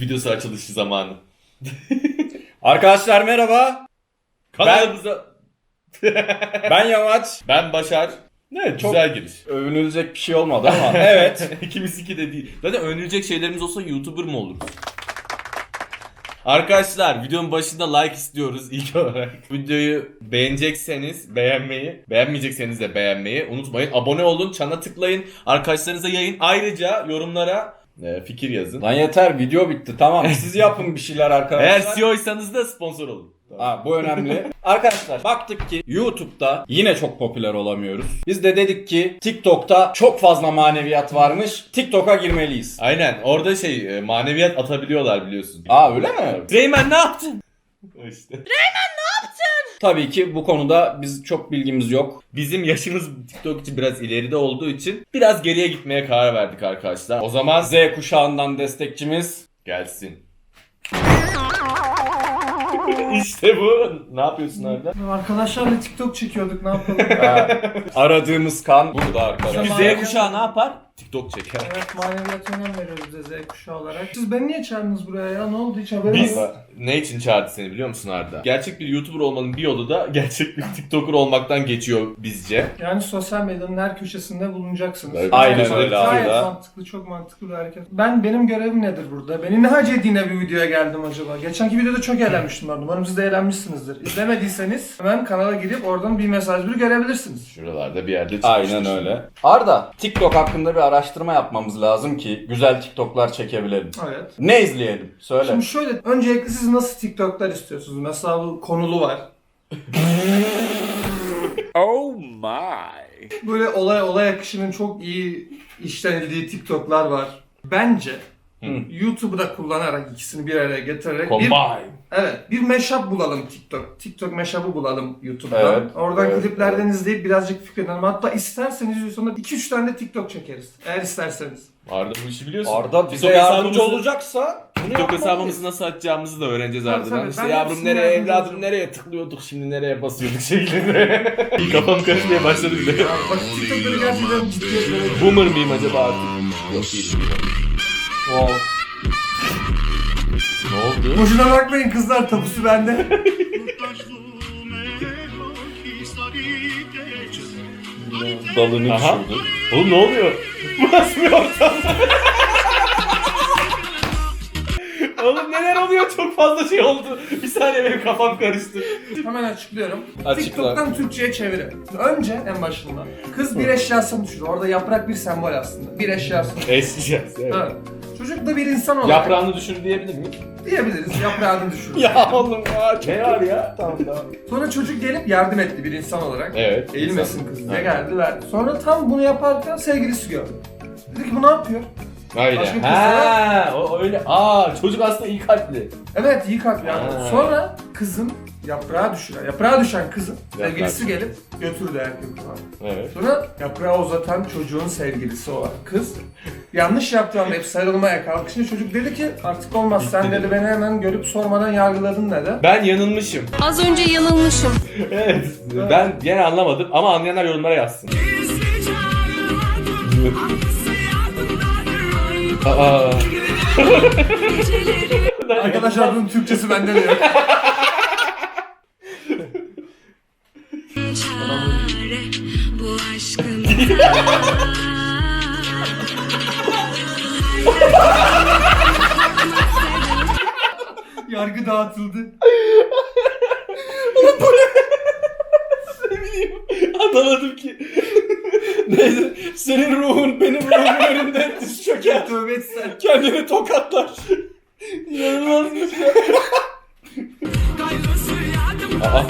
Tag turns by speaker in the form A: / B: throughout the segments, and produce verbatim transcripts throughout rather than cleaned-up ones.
A: YouTube videosu açılışı zamanı.
B: Arkadaşlar merhaba.
A: Kanalımıza...
B: Ben Yamaç.
A: Ben Başar. Evet,
B: Çok
A: güzel giriş.
B: övünülecek bir şey olmadı ama evet.
A: İkimiz iki de değil. Zaten övünülecek şeylerimiz olsa YouTuber mı oluruz? Arkadaşlar videonun başında like istiyoruz ilk olarak. Videoyu beğenecekseniz beğenmeyi, beğenmeyecekseniz de beğenmeyi unutmayın. Abone olun, çana tıklayın, arkadaşlarınıza yayın. Ayrıca yorumlara e, fikir yazın.
B: Lan yeter, video bitti, tamam. Siz yapın bir şeyler arkadaşlar.
A: Eğer C E O'ysanız da sponsor olun.
B: Ha, bu önemli. Arkadaşlar baktık ki YouTube'da yine çok popüler olamıyoruz. Biz de dedik ki TikTok'ta çok fazla maneviyat varmış. TikTok'a girmeliyiz.
A: Aynen, orada şey e, maneviyat atabiliyorlar biliyorsun.
B: Aa, öyle mi?
A: Reymen ne yaptın? İşte.
B: Tabii ki bu konuda biz çok bilgimiz yok.
A: Bizim yaşımız TikTok için biraz ileride olduğu için biraz geriye gitmeye karar verdik arkadaşlar. O zaman
B: Z kuşağından destekçimiz
A: gelsin. İşte bu. Ne yapıyorsun orada?
C: Arkadaşlarla TikTok çekiyorduk, ne yapalım?
B: Ha, aradığımız kan burada arkadaşlar.
A: Çünkü Z kuşağı ne yapar? TikTok çeker.
C: Evet, maneviyata önem veriyoruz biz de Z kuşağı olarak. Siz beni niye çağırdınız buraya ya? Ne oldu, hiç haberiniz
A: Biz
C: yok?
A: ne için çağırdı seni biliyor musun Arda? Gerçek bir YouTuber olmanın bir yolu da gerçek bir TikToker olmaktan geçiyor bizce.
C: Yani sosyal medyanın her köşesinde bulunacaksınız.
A: Evet.
B: Aynen
C: Gayet
B: öyle abi
C: Gayet
B: da.
C: mantıklı, çok mantıklı bir hareket. Ben, benim görevim nedir burada? Beni ne hacediğine bir videoya geldim acaba? Geçenki videoda çok eğlenmiştim ben. Umarım siz de eğlenmişsinizdir. İzlemediyseniz hemen kanala girip oradan bir mesaj bir görebilirsiniz.
A: Şuralarda bir yerde çıkmıştır.
B: Aynen öyle. Arda, TikTok hakkında bir araştırma yapmamız lazım ki güzel TikTok'lar çekebilelim.
C: Evet.
B: Ne izleyelim? Söyle.
C: Şimdi şöyle, öncelikle siz nasıl TikTok'lar istiyorsunuz? Mesela bu konulu var.
B: Oh my.
C: Böyle olay olay akışının çok iyi işlenildiği TikTok'lar var. Bence
A: Hı.
C: YouTube'u da kullanarak, ikisini bir araya getirerek bir,
A: Combine.
C: evet, bir mashup bulalım TikTok. TikTok mashup'ı bulalım YouTube'dan.
B: Evet,
C: Oradan
B: evet,
C: kliplerden
B: evet.
C: izleyip birazcık fikirlenelim. Hatta isterseniz sonra iki üç tane de TikTok çekeriz. Eğer isterseniz.
A: Arda bu işi biliyorsun.
B: Arda bize
A: TikTok
B: yardımcı
A: hesabımızı-
B: olacaksa bunu
A: TikTok
B: yapmalıyız.
A: hesabımızı nasıl açacağımızı da öğreneceğiz
C: Tabii,
A: Arda'dan.
C: tabii.
A: İşte
C: Ben
A: yavrum
C: hepsini
A: nereye,
C: yardımcı
A: evladım
C: olacağım.
A: nereye tıklıyorduk, şimdi nereye basıyorduk şeklinde. Kafam karışmaya başladı bile.
C: Ya bak, TikTok'ları gerçekten ciddiye böyle...
A: Boomer mıyım acaba artık? Yok değilim.
B: Wow.
A: Ne oldu?
C: Boşuna bakmayın kızlar, tapusu bende.
B: Dalını
A: Aha.
B: düşürdü.
A: Oğlum ne oluyor? Bu nasıl bir ortam? Oğlum neler oluyor? Çok fazla şey oldu. Bir saniye benim kafam karıştı.
C: Hemen açıklıyorum.
B: Açıkla.
C: TikTok'tan Türkçe'ye çevirin. Önce en başında kız bir eşyasını düşürüyor. Orada yaprak bir sembol aslında. Bir eşyasını.
A: Eşleyeceğiz. Evet.
C: Evet. Çocuk da bir insan olarak
A: Yaprağını düşür diyebilir miyim?
C: diyebiliriz. Yaprağını düşürüyor.
B: Ya oğlum ya.
A: Ne var ya? Tamam tamam.
C: Sonra çocuk gelip yardım etti bir insan olarak.
A: Evet.
C: Eğilmesin
A: insan.
C: kız diye
A: Evet.
C: geldi verdi. Sonra tam bunu yaparken sevgilisi gördü. Dedi ki bu ne yapıyor?
A: Öyle.
C: Başka bir
A: Ha, o öyle. Aa, çocuk aslında iyi kalpli.
C: Evet, iyi kalp yani.
A: Ha.
C: Sonra kızın yaprağa düşüren, yaprağa düşen kızın
A: Yaprağa
C: sevgilisi
A: düşen.
C: gelip götürdü erkek falan.
A: Evet.
C: Sonra yaprağı uzatan çocuğun sevgilisi olan kız yanlış yaptığı anda hep sarılmaya kalkışınca çocuk dedi ki artık olmaz, sen
A: Bitti
C: dedi
A: dedi.
C: beni hemen görüp sormadan yargıladın dedi.
A: Ben yanılmışım.
D: Az önce yanılmışım.
A: Evet. Ben gene anlamadım ama anlayanlar yorumlara yazsın. Aa.
C: Arkadaşlar bunun Türkçesi bende de yok.
D: Bu aşkın
C: Yargı dağıtıldı.
A: Anlamadım ki.
B: Neyse, senin ruhun benim ruhumun önünde diz çöker.
C: Tövbe etsen.
B: Kendini tokatlar. İnanılmazmış ya.
A: Aa.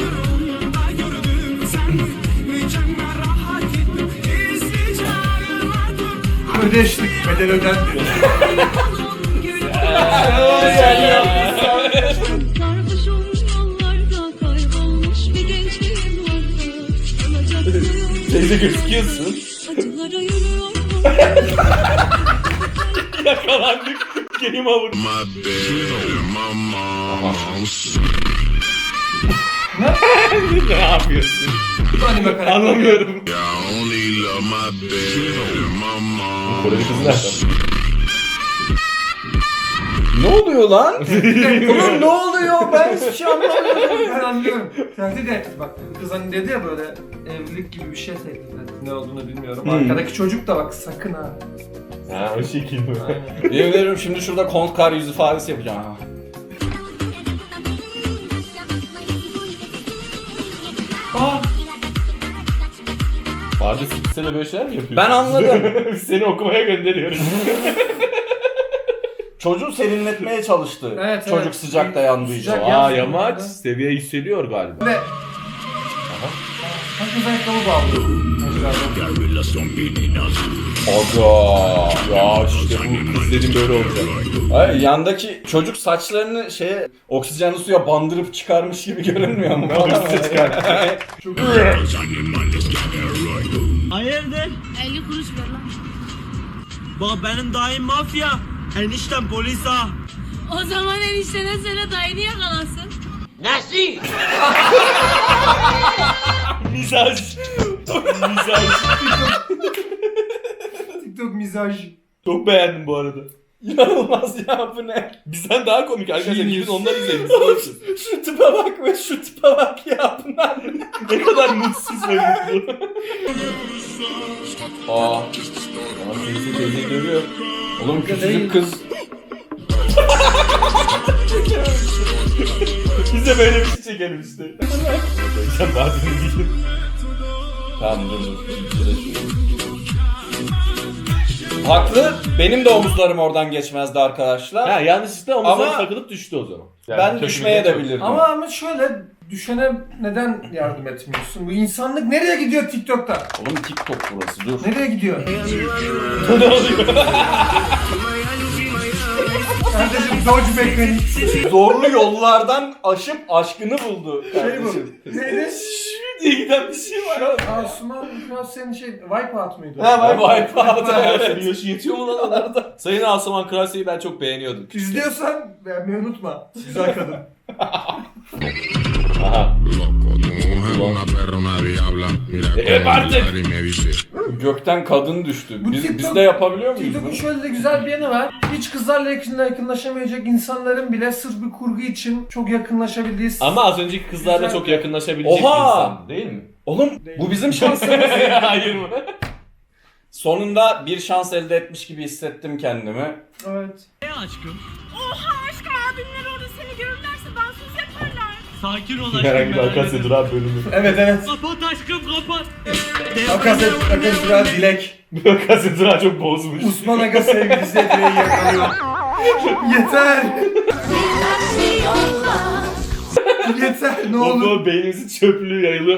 C: Ödeştik, bedel ödendi.
E: Sarhoşum yollarda kaybolmuş bir gençliğim vardı. Alacak suyum
A: Teyze gözüküyorsun.
E: acılara yürüyor.
A: Yakalandık. Game over.
F: My bed, my mom's.
A: Ne yapıyorsun?
C: Bu anime karakteri.
A: Anlamıyorum.
F: I only love my bed, my mom's.
A: Koreli kızı nereden?
B: Ne oluyor lan? Oğlum ne oluyor? Ben hiçbir şey anlamıyorum.
C: Ben anlıyorum. Tehdit etti bak. Kız hani dedi ya böyle evlilik gibi bir şey tehdit etti. Ne olduğunu bilmiyorum.
B: Hmm.
C: Arkadaki çocuk da bak sakın ha.
A: Ha o şekil mi?
C: Aynen.
B: Yemin ederim şimdi şurada Kont Kar yüz ifadesi yapacağım. Ha.
C: Aa,
A: Vardı sen de böyle şeyler mi yapıyorsun?
B: Ben anladım.
A: Biz seni okumaya gönderiyoruz.
B: Çocuğu serinletmeye çalıştı.
C: Evet,
B: Çocuk
C: evet.
B: sıcakta yandığı için.
C: Sıcak.
A: Aa
C: Yapsın
A: yamaç
C: burada.
A: seviye yükseliyor galiba.
C: ve... Herkes ayakkabı bağlıyor.
A: Aga ya işte bu kız dedim böyle olacak.
B: Hayır, yandaki çocuk saçlarını şeye oksijenli suya bandırıp çıkarmış gibi görünmüyor mu?
A: Oksijen çıkar.
G: Hayırdır?
D: elli kuruş ver lan.
G: Bak benim dayım mafya. Eniştem polis ha.
D: O zaman eniştene söyle dayını yakalasın.
A: Mizaj. Mizaj.
C: TikTok mizaj.
A: Çok beğendim bu arada.
B: İnanılmaz ya, bu ne?
A: Bizden daha komik arkadaşlar.
B: Genius.
A: Gidin onları izleyin. Biz konuşuruz.
B: Şu tipe bak ve şu tipe bak ya, bunlar ne?
A: Ne kadar mutsuz ve mutlu. Aa. Aa teyze teyze görüyor.
B: Oğlum küçücük kız.
A: Biz de böyle bir şey çekelim işte. Sen bazen değil.
B: Tamam dur dur. Haklı. Benim de omuzlarım oradan geçmezdi arkadaşlar.
A: Ha yanlışlıkla omuzları
B: Ama-
A: takılıp düştü o zaman. Yani
B: ben
A: kötü
B: düşmeye
A: bir-
B: de bilirdim.
C: Ama ama şöyle düşene neden yardım etmiyorsun? Bu insanlık nereye gidiyor TikTok'ta?
B: Oğlum TikTok burası, dur.
C: Nereye gidiyor?
A: Ne oluyor?
C: Kardeşim dodge mekanik.
B: Zorlu yollardan aşıp aşkını buldu
C: Şey
B: kardeşim.
C: bu. Neydi?
A: diye giden bir şey var.
C: Asuman biraz senin şey Wipeout muydu?
B: Ha, Wipeout.
A: Evet. Yaşı yetiyor mu lan onlarda? Sayın Asuman Krasi'yi ben çok beğeniyordum.
C: İzliyorsan beğenmeyi unutma. Güzel kadın.
A: Aha.
F: Loco, tu mujer una perra, una diabla. Mira
A: Eh,
F: cómo
A: parte.
F: hablar y me dice.
B: Gökten kadın düştü.
C: Bu
B: Biz,
C: TikTok-
B: biz de yapabiliyor muyuz
C: TikTok'un
B: bunu?
C: şöyle de güzel bir yanı var. Hiç kızlarla yakın- yakınlaşamayacak insanların bile sırf bir kurgu için çok yakınlaşabildiği...
A: Ama az önceki kızlarla
C: Güzel.
A: çok yakınlaşabilecek
B: Oha!
A: bir insan değil mi?
B: Oğlum bu bizim şansımız.
A: Hayır mı?
B: Sonunda bir şans elde etmiş gibi hissettim kendimi.
C: Evet.
G: Ne aşkım?
D: Oha aşkım abimler orada seni görürlerse dansöz yaparlar.
G: Sakin ol
A: Herhangi
G: aşkım.
A: bir
G: ben
A: Akasya
G: hallederim.
A: Duran bölümü.
C: Evet evet.
G: Kapat aşkım kapat.
C: Akasya, Akasya Duran Dilek.
A: Akasya Duran çok bozmuş.
C: Osman Aga sevgilisi Edre'yi yakalıyor. Yeter. Yeter ne olur.
A: Oğlum beynimizin çöplüğü yayılıyor.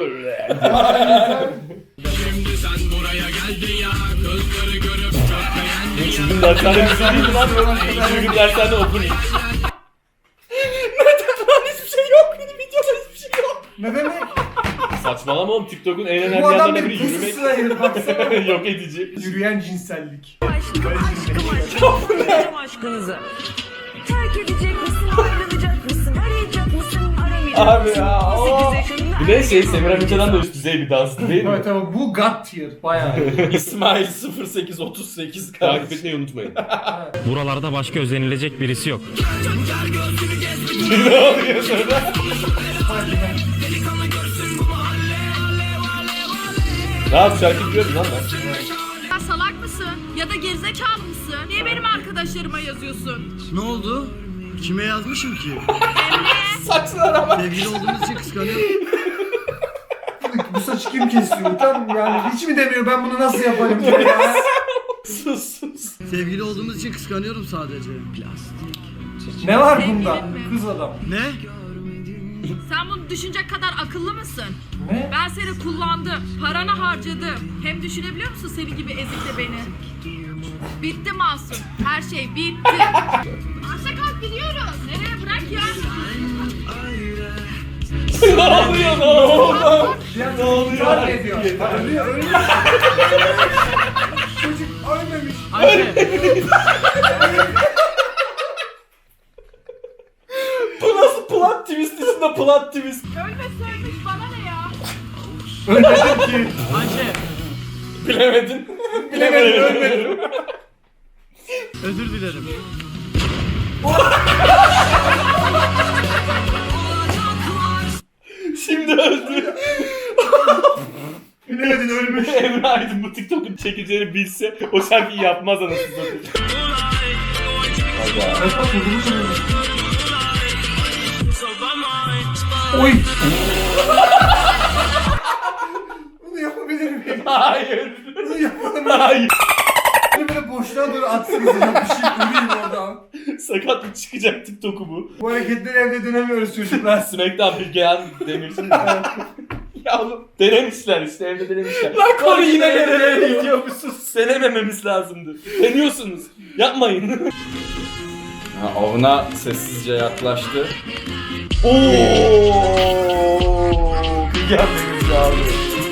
A: Şimdi derslerde bir şey değil mi lan? Şimdi gün derslerde okuyun.
C: Ne demek?
A: Saçmalama oğlum, TikTok'un en önemli
C: Bu adam
A: yanlarından
C: bir
A: biri yürümek.
C: pusisine girdi baksana.
A: Yok edici.
C: Yürüyen cinsellik.
E: Aşkım aşkım aşkım Veririm aşkınızı. Terk edecek misin ayrılacak mısın arayacak mısın aramayacak
B: Abi
E: mısın?
B: ya,
E: on
B: o-
E: sekiz yaşında
A: Bir de şey Semira Mica'dan da üst düzey bir dans değil mi?
C: Evet ama bu God tier bayağı.
B: İsmail sıfır sekiz otuz sekiz
A: Takip
B: kardeşim.
A: etmeyi unutmayın.
H: Buralarda başka özenilecek birisi yok.
A: Ne oluyor sonra? Ne yap şarkı biliyorsun lan ben?
D: Ya salak mısın? Ya da gerizekalı mısın? Niye benim arkadaşlarıma yazıyorsun?
G: Ne oldu? Kime yazmışım ki?
B: Saçlara bak.
G: Sevgili olduğumuz için kıskanıyorum.
C: Bu saçı kim kesiyor? Tam yani hiç mi demiyor ben bunu nasıl yaparım diye ya.
B: Sus sus.
G: Sevgili olduğumuz için kıskanıyorum sadece.
C: Ne var bunda? Kız adam.
G: Ne?
D: Sen bunu düşünecek kadar akıllı mısın?
C: Ne?
D: Ben seni kullandım, paranı harcadım. Hem düşünebiliyor musun senin gibi ezikle beni? Bitti Masum, her şey bitti. Arsa kalk gidiyoruz. Nereye bırak ya?
A: Ne oluyor ne oluyor?
C: Ne oluyor? Ne diyor? Ölüyor, ölüyor. Çocuk ölmemiş.
B: Bu nasıl plot twist içinde plot twist?
D: Ölmesi ölmüş bana ne ya?
C: Ölmedim ki.
G: Ayşe.
B: Bilemedin.
C: Bilemedim ölmedim.
G: Özür dilerim.
A: Şimdi öldü.
C: Bilemedin ölmüş.
A: Emre Aydın bu TikTok'un çekeceğini bilse o şarkıyı yapmaz anasını satayım.
C: Oy. Bunu yapabilir miyim?
A: Hayır.
C: Bunu yapalım.
A: Hayır.
C: Beni böyle boşluğa doğru atsınız ya. Bir şey öleyim oradan.
A: Sakat mı çıkacak TikTok'u bu?
C: Bu hareketleri evde dönemiyoruz çocuklar.
A: Smackdown bir gelen demişsin. Ya oğlum denemişler işte evde denemişler.
B: Lan konu yine
A: nereye
B: nereye
A: gidiyormuşsunuz? Denemememiz lazımdı. Deniyorsunuz. Yapmayın.
B: Ha, avına sessizce yaklaştı.
A: Ooo. Bir gelmemiz lazım.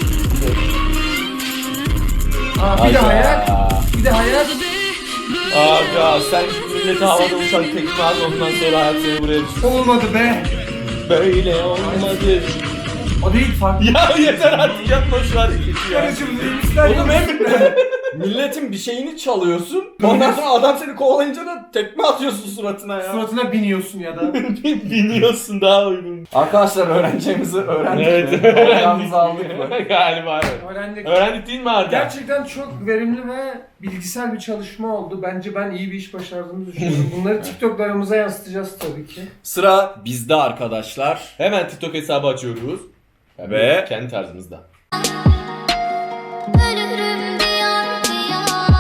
C: Aa, bir de hayal. Bir de hayal.
A: Aga sen millete havada uçan tekme at ondan sonra hayat seni buraya düşür.
C: Olmadı be.
A: Böyle olmadı.
C: O değil farklı.
A: Ya yeter artık yapma şu hareketi ya.
C: Karıcığım neymişler?
B: Oğlum hem milletin bir şeyini çalıyorsun. Ondan sonra adam seni kovalayınca da tekme atıyorsun suratına ya.
C: Suratına biniyorsun ya da.
A: Biniyorsun daha uygun.
B: Arkadaşlar öğreneceğimizi öğrendik
A: Evet
B: mi?
A: öğrendik.
B: Ayağımızı aldık mı?
A: Galiba evet.
C: Öğrendik.
A: Öğrendik değil mi Arda?
C: Gerçekten çok verimli ve bilgisel bir çalışma oldu. Bence ben iyi bir iş başardığımı düşünüyorum. Bunları TikTok'larımıza yansıtacağız tabii ki.
B: Sıra bizde arkadaşlar.
A: Hemen TikTok hesabı açıyoruz. Yani
B: Ve-
A: kendi tarzımızda.
I: Ölürüm diyar diyar.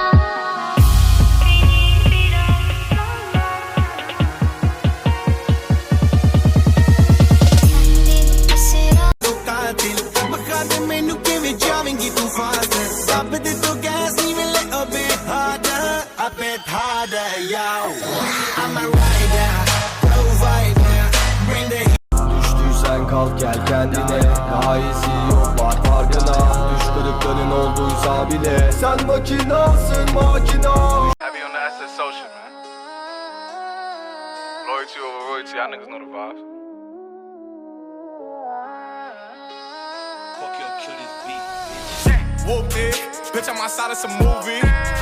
J: Düştüysen kalk gel kendine. Daha iyisi yok var farkına. Düş kırıkların olduysa bile sen makinasın makina.
K: Happy on the asset social, man. Loyalty over royalty, y'all niggas know the vibes. Fuck your kill this beat. Whoop it, bitch, I'm outside of some movie.